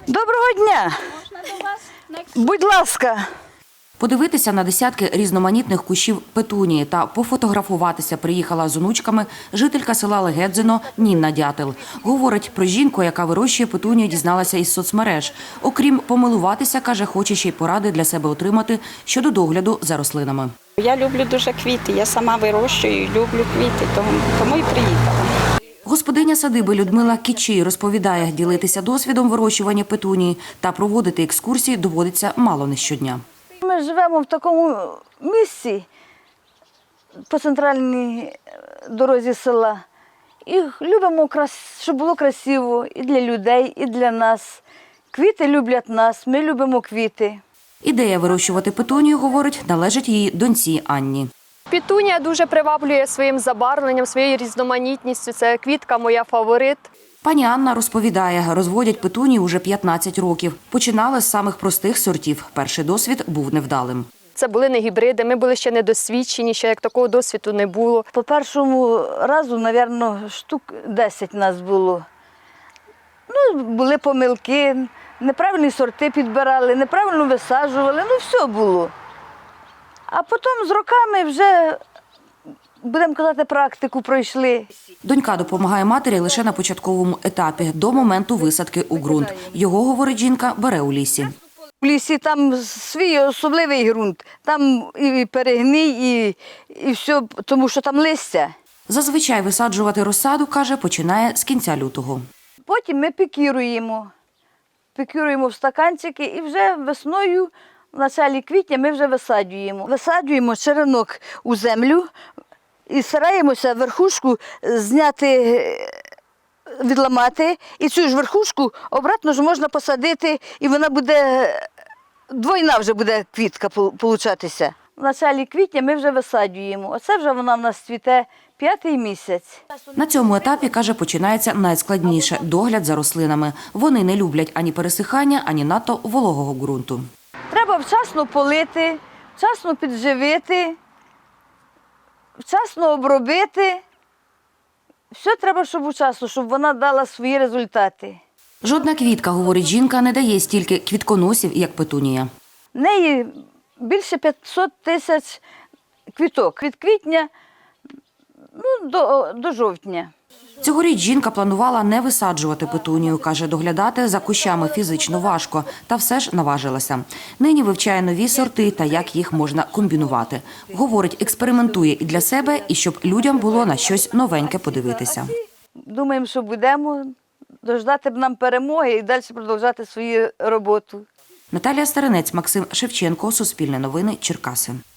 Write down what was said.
Доброго дня! Будь ласка! Подивитися на десятки різноманітних кущів петунії та пофотографуватися приїхала з онучками жителька села Легедзино Ніна Дятел. Говорить, про жінку, яка вирощує петунію, дізналася із соцмереж. Окрім помилуватися, каже, хоче ще й поради для себе отримати щодо догляду за рослинами. Я люблю дуже квіти, я сама вирощую і люблю квіти, тому і приїхала. Господиня садиби Людмила Кічій розповідає, ділитися досвідом вирощування петунії та проводити екскурсії доводиться мало не щодня. Ми живемо в такому місці по центральній дорозі села і любимо, щоб було красиво і для людей, і для нас. Квіти люблять нас, ми любимо квіти. Ідея вирощувати петунію, говорить, належить її доньці Анні. Петунія дуже приваблює своїм забарвленням, своєю різноманітністю. Це квітка моя фаворит. Пані Анна розповідає, розводять петунію уже 15 років. Починали з самих простих сортів. Перший досвід був невдалим. Це були не гібриди, ми були ще недосвідчені, ще як такого досвіду не було. По першому разу, мабуть, штук 10 нас було. Були помилки, неправильні сорти підбирали, неправильно висаджували, все було. А потім з роками вже, будемо казати, практику пройшли. Донька допомагає матері лише на початковому етапі, до моменту висадки у ґрунт. Його, говорить жінка, бере у лісі. В лісі там свій особливий ґрунт, там і перегній, і все, тому що там листя. Зазвичай висаджувати розсаду, каже, починає з кінця лютого. Потім ми пікіруємо в стаканчики і вже весною, в началі квітня ми вже висаджуємо. Висаджуємо черенок у землю і стараємося верхушку зняти, відламати. І цю ж верхушку обратно ж можна посадити, і вона буде, двойна вже буде квітка получатися. В началі квітня ми вже висаджуємо. Оце вже вона в нас цвіте 5-й місяць. На цьому етапі, каже, починається найскладніше – догляд за рослинами. Вони не люблять ані пересихання, ані надто вологого ґрунту. Треба вчасно полити, вчасно підживити, вчасно обробити. Все треба, щоб вчасно, щоб вона дала свої результати. Жодна квітка, говорить жінка, не дає стільки квітконосів, як петунія. В неї більше 500 тисяч квіток. Від квітня до жовтня. Цьогоріч жінка планувала не висаджувати петунію, каже, доглядати за кущами фізично важко, та все ж наважилася. Нині вивчає нові сорти та як їх можна комбінувати. Говорить, експериментує і для себе, і щоб людям було на щось новеньке подивитися. Думаємо, що будемо дождати б нам перемоги і далі продовжувати свою роботу. Наталія Старинець, Максим Шевченко, Суспільне новини, Черкаси.